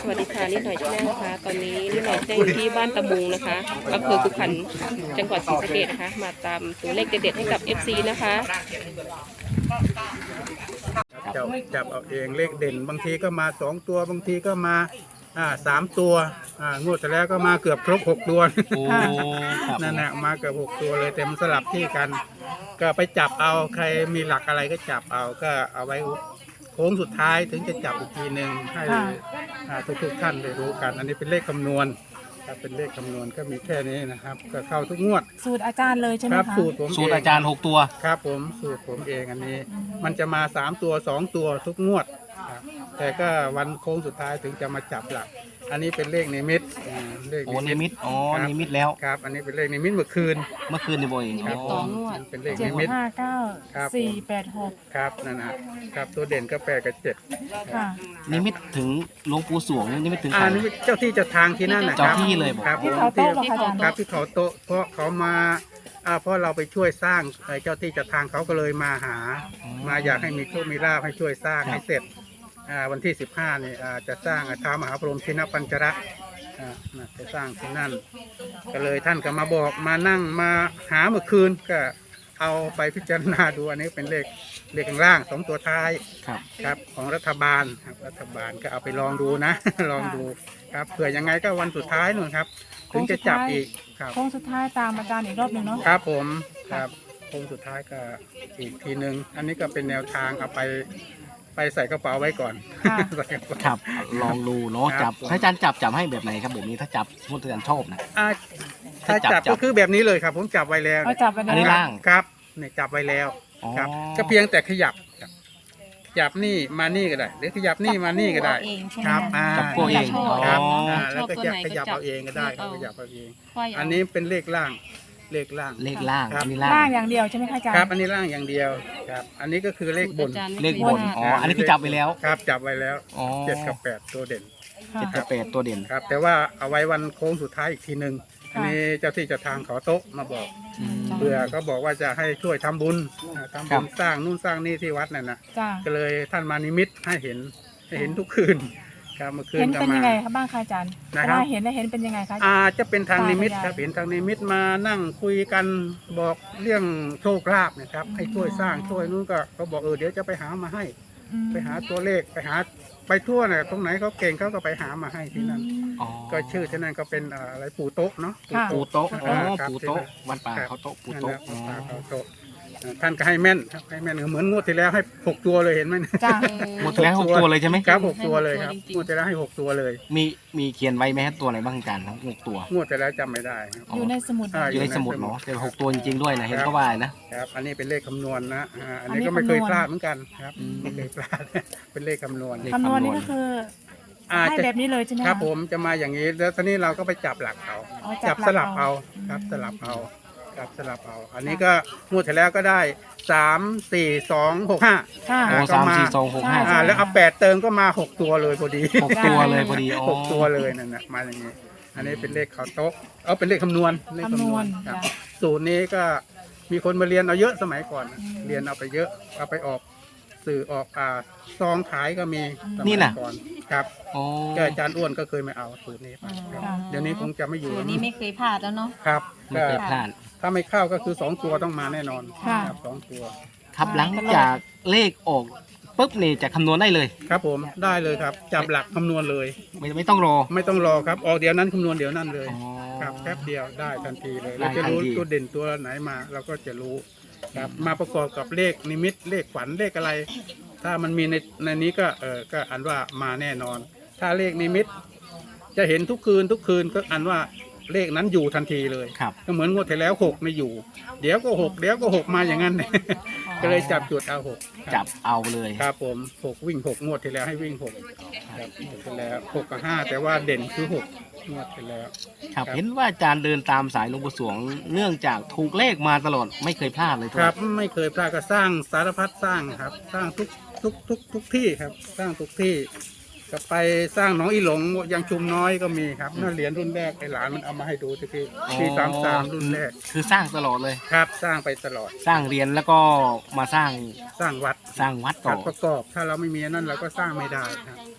สวัสดีค่ะนิดหน่อยชาแนลนะคะตอนนี้นิดหน่อยได้อยู่ที่บ้านตะบุงนะคะอำเภอกุขันจังหวัดศรีสะเกษนะคะมาตามตัวเลขเด็ดๆให้กับ FC นะคะจับเอาเองเลขเด่นบางทีก็มา2ตัวบางทีก็มา3ตัวงวดที่แล้วก็มาเกือบครบ6ตัวนั่นแหละมาเกือบ6ตัวเลยแต่มันสลับที่กันก็ไปจับเอาใครมีหลักอะไรก็จับเอาก็เอาไว้โค้งสุดท้ายถึงจะจับอีกทีหนึ่งให้ทุกท่านได้รู้กันอันนี้เป็นเลขคำนวณครับเป็นเลขคำนวณก็มีแค่นี้นะครับก็เข้าทุกงวดสูตรอาจารย์เลยใช่ไหมคคะรับสูตรผมสูตรอาจารย์6ตัวครับผมสูตรผมเองอันนี้มันจะมา3ตัว2ตัวทุกงวดครับแต่ก็วันโค้งสุดท้ายถึงจะมาจับหลักอันนี้เป็นเลขนิมิตเลขโอ้นิมิตอ๋อครับนิมิตแล้วครับอันนี้เป็นเลขนิมิตเมื่อคืนเมื่อคืนนี่บ่อยครับอ๋อเป็นเลข 7 นิมิต 5 ครับ 9 4 8 6 ครับนั่นนะครับตัวเด่นก็8กับ7 ค่ะนิมิตถึงหลวงปู่สวงนิมิตถึงใครนี่เจ้าที่เจ้าทางที่นั่นนะคเจ้ารับที่เลยบอกครับที่เขาโต๊ะเหรอคะอาจารย์ครับที่เขาโต๊ะเพราะเขามาเพราะเราไปช่วยสร้างเจ้าที่เจ้าทางเขาก็เลยมาหามาอยากให้มีโชคมีลาภให้ช่วยสร้างให้เสร็จวันที่15นี่จะสร้างท้าวมหาพรหมชินปัญจระจะสร้างที่นั่นก็เลยท่านก็มาบอกมานั่งมาหาเมื่อคืนก็เอาไปพิจารณาดูอันนี้เป็นเลขข้างล่าง2ตัวท้ายครับครับของรัฐบาลครับรัฐบาลก็เอาไปลองดูนะ ลองดูครับเผื่อยังไงก็วันสุดท้ายนู่นครับถึงจะจับอีกครับโค้งสุดท้ายตามอาจารย์อีกรอบหนึ่งเนาะครับผมครับโค้งสุดท้ายก็อีกทีหนึ่งอันนี้ก็เป็นแนวทางเอาไปใส่กระเป๋าไว้ก่อน ใส่กระเป๋าครับลองดูเนาะครัจับบถ้าอาจารย์จับให้แบบไหนครับแบบนี้ถ้าจับสมมติอาจารย์ชอบนะถ้าจับก็คือแบบนี้เลยครับ ผมจับไว้แล้วเอาจับไปอันนี้เลยล่างครับเนี่ยจับไว้แล้วอ๋อครับ ก็เพียงแต่ขยับครับขยับนี่มานี่ก็ได้หรือขยับนี่มานี่ก็ได้ครับจับตัวเองครับอ๋อแล้วก็ขยับเอาเองก็ได้ครับขยับเอาเองอันนี้เป็นเลขล่างเลขล่างเลขล่างครับอันนี้ล่างล่างอย่างเดียวใช่ไหมคะอาจารย์ครับอันนี้ล่างอย่างเดียวครับอันนี้ก็คือเลขบนเลขบนอ๋ออันนี้คือจับไปแล้วครับจับไว้แล้วอ๋อ 7 กับ 8ตัวเด่นค่ะ 7 กับ 8ตัวเด่นครับแต่ว่าเอาไว้วันโค้งสุดท้ายอีกทีหนึ่งค่ะอันนี้เจ้าที่เจ้าทางขอโต๊ะมาบอกอืมเพื่อเขาบอกว่าจะให้ช่วยทำบุญทำครับุบญสร้างนู่นสร้างนี่ที่วัดนั่นนะจ้าก็เลยท่านมานิมิตให้เห็นทุกคืนครับเมื่อคืนเห็นก็เป็นมายังไงคะบ้างคะอาจารย์นะครับเวลาเห็นแล้วเห็นเป็นยังไงคะจะเป็นทางนิมิตตาพญาครับเห็นทางนิมิตมานั่งคุยกันบอกเรื่องโชคลาภนะครับให้ช่วยสร้างช่วยนู่นก็เขาบอกเดี๋ยวจะไปหามาให้อืมไปหาตัวเลขไปทั่วเนี่ยตรงไหนเขาเก่งเขาก็ไปหามาให้ที่นั่นอ๋อก็ชื่อที่นั่นก็เป็นอะไรปู่โต๊ะเนาะค่ะปูโต๊ะอ๋อครับปูโต๊ะที่นั่นวัดป่าเขาโต๊ะปูโต๊ะนั่นอ๋อแหละวัดป่าเขาโต๊ะท่านก็ให้แม่นครับให้แม่นเหมือนงวดที่แล้วให้6ตัวเลยเห็นไหมจ้าหมดแล้ว6ตัวเลยใช่ไหมครับ6ตัวเลยครับงวดที่แล้วให้6ตัวเลยมีเขียนไว้ไหมครับตัวไหนบ้างอาจารย์ทั้ง6ตัวงวดที่แล้วจำไม่ได้ครับอยู่ในสมุดอยู่ในสมุดเนาะแต่6ตัวจริงๆด้วยนะเห็นก็ว่านะครับอันนี้เป็นเลขคำนวณนะอันอันนี้นี้ก็ไม่เคยคำนวณพลาดเหมือนกันครับอืมไม่เคยพลาด เป็นเลขคำนวณเลขคำนวณนี่ก็คือให้จะแบบนี้เลยใช่ไหมะครับผมจะมาอย่างนี้แล้วตอนนี้เราก็ไปจับหลักเอาอ๋อจับหสกลับเอาครับสลับเอาครับสลับเอา อันนี้ก็งวดที่แล้วก็ได้3 4 2 6 5 ค่ะโอ้ก็มา 3 4 2 6 ใช่ 5 แล้วเอา8เติมก็มา6ตัวเลยพอดี 6ตัวเลยพอดีอ๋อ 6ตัวเลยนั่นนะมาอย่างนี้ อันนี้เป็นเลขเขาโต๊ะเป็นเลขคำนวณเลขคำนวณครับจ้ะสูตรนี้ก็มีคนมาเรียนเอาเยอะสมัยก่อนเรียนเอาไปเยอะเอาไปออกสื่อออกซองขายก็มีสมัยนี่น่ะก่อนครับอ๋อก็อาจารย์อ้วนก็เคยมาเอาสูตรนี้ไปครับค่ะเดี๋ยวนี้คงจะไม่อยู่สูตรนี้ไม่เคยพลาดแล้วเนาะครับไม่เคยพลาดถ้าไม่เข้าก็คือ2ตัวต้องมาแน่นอนค่ะครับ2ตัวครับหลังจากเลขออกปุ๊บนี่จะคำนวณได้เลยครับผมได้เลยครับจับหลักคำนวณเลยไม่ต้องรอไม่ต้องรอครับออกเดี๋ยวนั้นคำนวณเดี๋ยวนั้นเลยอ๋อครับแป๊บเดียวได้ทันทีเลยได้เราจะรู้ทันทีตัวเด่นตัวไหนมาเราก็จะรู้ครับมาประกอบกับเลขนิมิตเลขฝันเลขอะไร ถ้ามันมีในนี้ก็ก็อันว่ามาแน่นอน ถ้าเลขนิมิต จะเห็นทุกคืนก็อันว่าเลขนั้นอยู่ทันทีเลยครับก็เหมือนงวดที่แล้ว6ไม่อยู่ เดี๋ยวก็6เดี๋ยวก็6มาอย่างนั้น ก็เลยจับจุดเอา6 จับเอาเลยครับผม6วิ่ง6งวดที่แล้วให้วิ่ง6ครับงวดที่แล้ว6กับ5แต่ว่าเด่นคือ6งวดที่แล้วครับเห็นว่าอาจารย์เดินตามสายหลวงปู่สวง เนื่องจากถูกเลขมาตลอดไม่เคยพลาดเลยครับไม่เคยพลาดก็สร้างสารพัดสร้างครับ สร้างทุกที่ครับ สร้างทุกที่ก็ไปสร้างหนองอีหลงยังชุมน้อยก็มีครับนั่นเหรียญรุ่นแรกไอ้หลานมันเอามาให้ดูทีปี33รุ่นแรกคือสร้างตลอดเลยครับ สร้างไปตลอดสร้างเรียนแล้วก็มาสร้างสร้างวัดสร้างวัดต่ขัอดประกอบ ถ้าเราไม่มีอันนั่นเราก็สร้างไม่ได้ครับ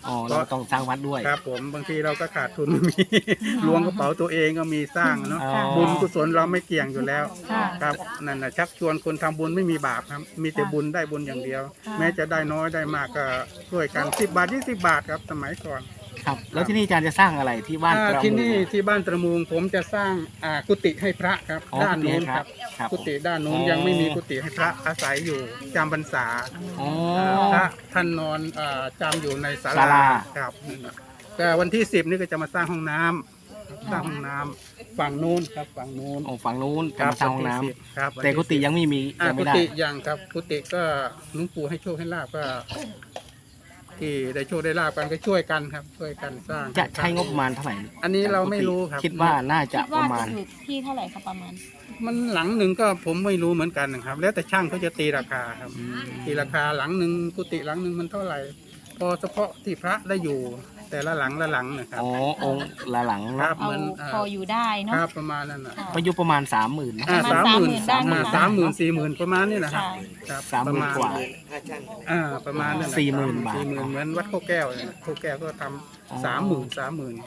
อ๋อเราต้องสร้างวัดด้วยครับผมบางทีเราก็ขาดทุนไม่มีล้วงกระเป๋าตัวเองก็มีสร้างเนาะอ๋อบุญกุศลเราไม่เกี่ยงอยู่แล้วค่ะครับนั่นนะชักชวนคนทำบุญไม่มีบาปครับ มีแต่บุญได้บุญอย่างเดียวค่ะแม้จะได้น้อยได้มากก็ช่วยกัน10 บาท 20 บาทครับสมัยก่อนครับ แล้วที่นี่อาจารย์จะสร้างอะไรที่บ้านตระที่มูนี่ที่บ้านตระมูงผมจะสร้างกุฏิให้พระครับอ๋อด้านนู้นกุฏิให้พคระรับครับกุฏิด้านนู้นอ๋อยังไม่มีกุฏิให้พระอาศัยอยู่จำพรรษาอ๋อพระท่านนอนจำอยู่ในศาศาลาครับนั่นน่ะแต่วันที่10นี่ก็จะมาสร้างห้องน้ำสร้างห้องน้ำฝั่งนู้นครับฝั่งนู้นอ๋อฝั่งนู้นจะมาสร้างห้องน้วันที่10ครับำแต่กุฏิยังไม่มียังกุไม่ได้ฏิยังครับกุฏิก็หลวงปู่ให้โชคให้ลาบก็ ที่ได้โชคได้ลาบกันก็ช่วยกันครับ ช่วยกันสร้างจะใช้งบประมาณเท่าไหร่อันนี้เราไม่รู้ครับคิดว่าน่าจะประมาณอยู่ที่เท่าไหร่คะประมาณมันหลังหนึ่งก็ผมไม่รู้เหมือนกันนะครับ แล้วแต่ช่างเขาจะตีราคาครับ ตีราคาหลังหนึ่งกุฏิหลังหนึ่งมันเท่าไหร่ พอเฉพาะที่พระได้อยู่ แต่ละหลังละหลังนะครับอ๋อองค์ละหลังคเนรัอะบเหมือนพออยู่ได้เนาะครับประมาณนั้นนะก็อยู่ประมาณ 30,000นะประมาณ 30,000 ได้ไหมคะ 30,000 40,000ประมาณนี้นะครับ ครับ 30,000 กว่าประมาณนั้นนะ 40,000 บาท 40,000เหมือนวัดโคแก้วเนี่ยโคแก้วก็ทอ๋อำ30,000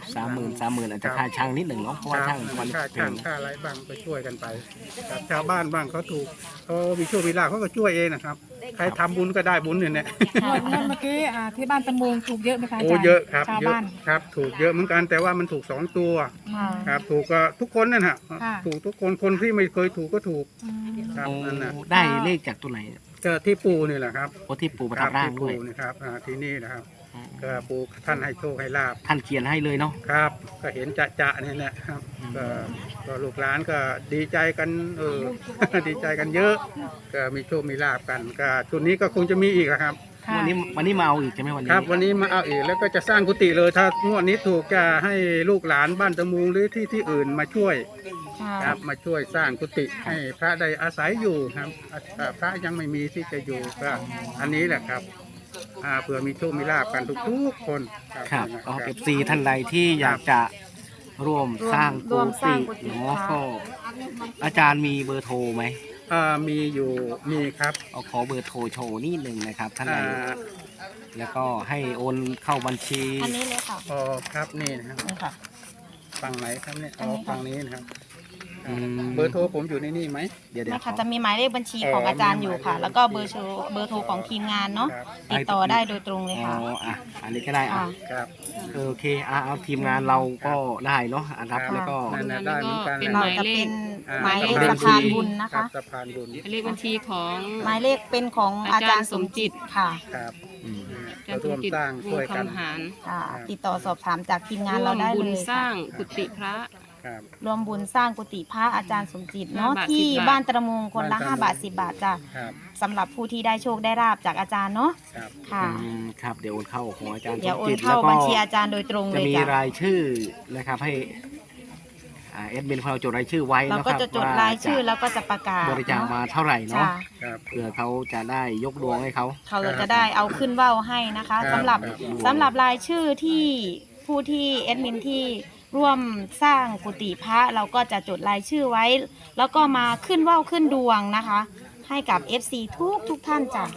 30,000อาจจะค่าช่างนิดหนึ่งเนาะเพราะว่าช่างมันค่าแพช่างงค่าอะไรบ้างก็ช่วยกันไปครับชาวบ้านบ้างเขาถูกเขามีโชคมีลาภเขาก็ช่วยเองนะครับ ใครทำบุญก็ได้บุญเนี่ยงวดเมื่อกี้ที่บ้านตะมูงถูกเยอะไหมคะอาโอ้จารย์เยอะครับชาวเยอะบ้านครับถูกเยอะเหมือนกันแต่ว่ามันถูก2 ตัวค่ะครับถูกก็ทุกคนนั่นฮะค่ะถูกทุกคนคนที่ไม่เคยถูกก็ถูกอืมครับโอ้นั่นนะได้เลขจากตัวไหนก็ที่ปูนี่แหละครับโอ้ที่ปู่ประทับร่างด้วยที่ปูนี่ครับที่นี่นะครับก็ปูท่านให้โชคให้ลาบท่านเขียนให้เลยเนาะครับ ก็เห็นจะเนี่ยนะครับก็ลูกหลานก็ดีใจกัน ดีใจกันเยอะ ก็มีโชคมีลาบกันก็ชุดนี้ก็คงจะมีอีกอะครับค่ะวันนี้มาเอาอีกใช่ไหมวันนี้ครับ วันนี้มาเอาอีกแล้วก็จะสร้างกุฏิเลยถ้างวดนี้ถูกจะให้ลูกหลานบ้านตะมูงหรือที่อื่นมาช่วยค่ะครับมาช่วยสร้างกุฏิให้พระได้อาศัยอยู่ครับพระยังไม่มีที่จะอยู่ก็อันนี้แหละครับเผื่อมีโชคมีลาบกันทุกๆคนครับก็เอฟซีท่านใดที่อยากจะร่วมสร้างร่วมสร้างกุฏิเนาะก็อาจารย์มีเบอร์โทรไหมมีอยู่มีครับเอาขอเบอร์โทรโชว์นิดหนึ่งนะครับท่านใดอ่าแล้วก็ให้โอนเข้าบัญชีอันนี้เลยค่ะครับนี่นะครับนี่ค่ะฝั่งไหนครับเนี่ยอันนี้ค่ะฝั่งนี้นะครับอืมเบอร์โทรผมอยู่ในนี่ไหมเดี๋ยวนะคะจะมีหมายเลขบัญชีของอาจารย์อยู่ค่ะ แล้วก็เบอร์โทรของทีมงานเนาะครับติดต่อได้โดยตรงเลยอ๋อค่ะอ่ะอันนี้ก็ได้อ่ะค่ะครับโอเคเอาทีมงานเราก็ได้เนาะรับครับแล้วก็นั่นนะได้เหมือนกันเป็นนะเราจะเป็นหมายเลขบัสะญชีพานบุญนะครัคะบสะพานบุญเลขบัญชีของหมายเลขเป็นของอาจารย์สมจิตค่ะครับอืมอาจารย์สร่มวมจิตสร้างวช่วยงกันคำหารค่ะ ติดต่อสอบถามจากทีมงานร่วเรามได้บุเลญยสร้างกุฏิพระครับรวมบุญสร้างกุฏิพระอาจารย์สมจิตเนาะ 5 บาทที่ 10 บาทบ้านตระมูงคนละบ้านตระมูง 5 บาท 10 บาทจ้ะครับสำหรับผู้ที่ได้โชคได้ราบจากอาจารย์เนาะครับค่ะครับเดี๋ยวโอนเข้าของอาจารย์สเดี๋ยวมโอจินตเข้าแล้วก็บัญชีอาจารย์โดยตรงเลจะยมีจ้ะรายชื่อนะครับให้เอ็ดมินของเราจดรายชื่อไว้เรานะคก็รับจะจดรายชื่อแล้วก็จะประกาศบริจาคมาเท่าไหร่เนาะจ้ะครับเพื่อเขาจะได้ยกดวงให้เขาเขาจะได้เอาขึ้นว่าวให้นะคะครับสำหรับครับสำหรับรายชื่อที่ผู้ที่แอดมินที่ร่วมสร้างกุฏิพระเราก็จะจดรายชื่อไว้ แล้วก็มาขึ้นว่าวขึ้นดวงนะคะ ให้กับ FC ทุกท่านจ้ะ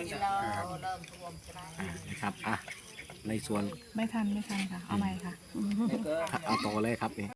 นะครับอ่ะในส่วนไม่ทันค่ะ เอาใหม่ค่ะเอาต่อเลยครับนี่